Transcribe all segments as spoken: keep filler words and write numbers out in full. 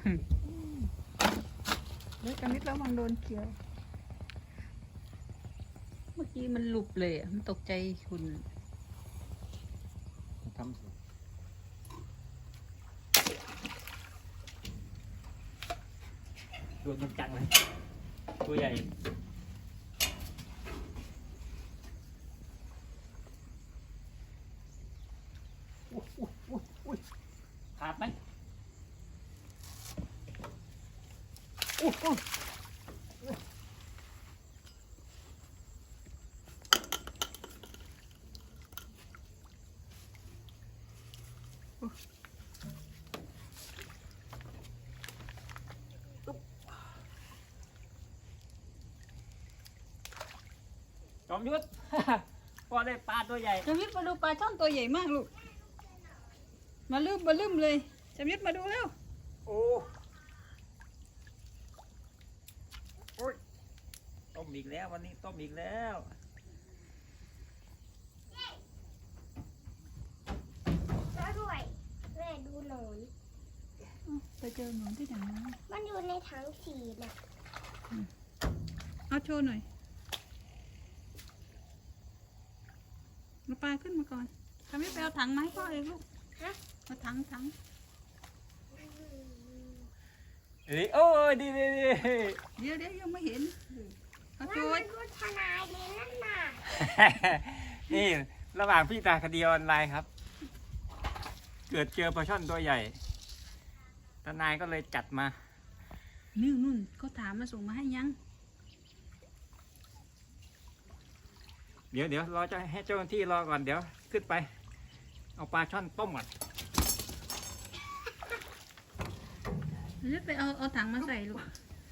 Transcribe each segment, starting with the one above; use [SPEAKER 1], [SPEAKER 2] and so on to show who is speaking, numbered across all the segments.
[SPEAKER 1] เดี๋ยวกันนิดแล้วมันโดนเขียวเมื่อกี้มันหลุบเลยอ่ะมันตกใจคุณ
[SPEAKER 2] ทำสิโดนมันจังเลยตัวใหญ่ขาดไหมโอ้โหจอมยุทธ พอได้ปลาตัวใหญ่
[SPEAKER 1] จำยุทธมาดูปลาช่อนตัวใหญ่มากลูกมาลืมมาลืมเลยจำยุทธมาดูแล้ว
[SPEAKER 2] โอ้โอ้ยต้มอีกแล้ววันนี้ต้มอีกแล้ว
[SPEAKER 3] ช่วยด้วยแม่ดูหน่อย
[SPEAKER 1] ไปเจอหนูที่ไหน
[SPEAKER 3] มันอยู่ในถังสีน่ะ
[SPEAKER 1] เอาโชว์หน่อยมาปลาขึ้นมาก่อนทำให้ไปเอาถังมาให้พ่อเองลูก
[SPEAKER 3] ฮะ
[SPEAKER 1] เอาถังถัง
[SPEAKER 2] ดีโอ้ยดีดีดี
[SPEAKER 1] เดี๋ยวเดี๋ยวยังไม่เห็นเอาโช
[SPEAKER 3] ว่า
[SPEAKER 1] ว์
[SPEAKER 3] มันพูดทนายเลยนั่นน่ะ
[SPEAKER 2] นี่ระหว่างพี่ตาคดีออนไลน์ครับเกิดเจอปลาช่อนตัวใหญ่ทนายก็เลยจัดมา
[SPEAKER 1] นี่นู่นเขาถามมาส่งมาให้ยัง
[SPEAKER 2] เดี๋ยวเดี๋ยวรอจะให้เจ้าหน้าที่รอก่อนเดี๋ยวขึ้นไปเอาปลาช่อนต้มก่อน
[SPEAKER 1] เดี๋ยวไปเอาเอาถังมาใส่ลูก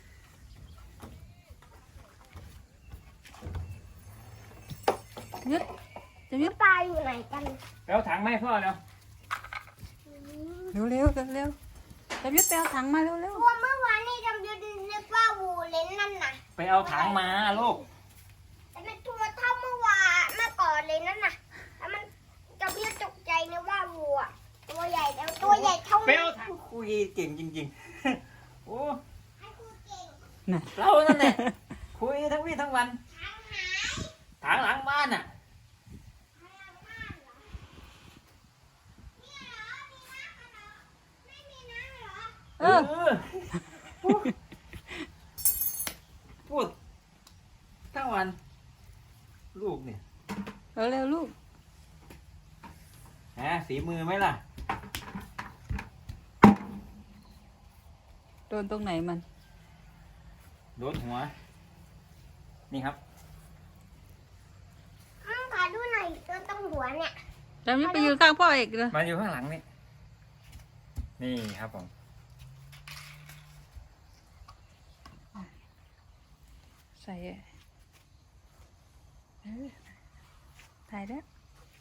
[SPEAKER 1] ยึดจะยึด
[SPEAKER 3] ปลาอยู่ไหนกัน
[SPEAKER 2] แล้วถังไม่พ่อเนาะ
[SPEAKER 1] เร็วเร็วเร็วจะยึดไปเอาถังมาเร็วเร็ว
[SPEAKER 3] ตัวเมื่อวานนี่จำยุทธนึกว่าวูเลนนั่นน่ะ
[SPEAKER 2] ไปเอาถังมาลูก
[SPEAKER 3] แต่มันตัวเท่าเมื่อวานเมื่อก่อนเลยนั่นน่ะแล้วมันจำยุทธตกใจนึกว่าวัวตัวใหญ่แล้วตัวใหญ่เท่า
[SPEAKER 2] ไปเอาถังคุยเก่งจริงๆโอ้
[SPEAKER 3] ให้คุยเก่ง
[SPEAKER 2] เรานั่นแหละคุยทั้งวี่ทั้งวันถังหลังบ้านอ่ะ
[SPEAKER 1] เออ
[SPEAKER 2] พูดทั้งวันลูกเนี่ย
[SPEAKER 1] เออเร็วลูก
[SPEAKER 2] ฮะสีมือไหมล่ะ
[SPEAKER 1] โดนตรงไหนมัน
[SPEAKER 2] โดนหัวนี่ครับ
[SPEAKER 3] ข้างขาดูหน่อยตัวตรงหัวเนี่ย
[SPEAKER 1] จำยึดไปยืนข้างพ่อเอกเลย
[SPEAKER 2] มาอยู่ข้างหลังนี่นี่ครับผม
[SPEAKER 1] ใส่ถ่ายได้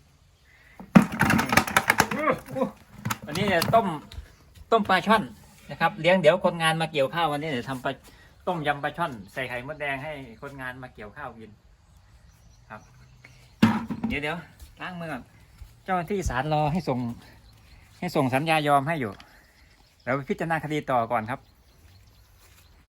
[SPEAKER 2] วันนี้จะต้มต้มปลาช่อนนะครับเลี้ยงเดี๋ยวคนงานมาเกี่ยวข้าววันนี้เดี๋ยวทำปลาต้มยำปลาช่อนใส่ไข่มดแดงให้คนงานมาเกี่ยวข้าวกินครับเดี๋ยวเดี๋ยวล้างมือก่อนเจ้าหน้าที่ศาลรอให้ส่งให้ส่งสัญญายอมให้อยู่แล้วพิจารณาคดีต่อก่อนครับ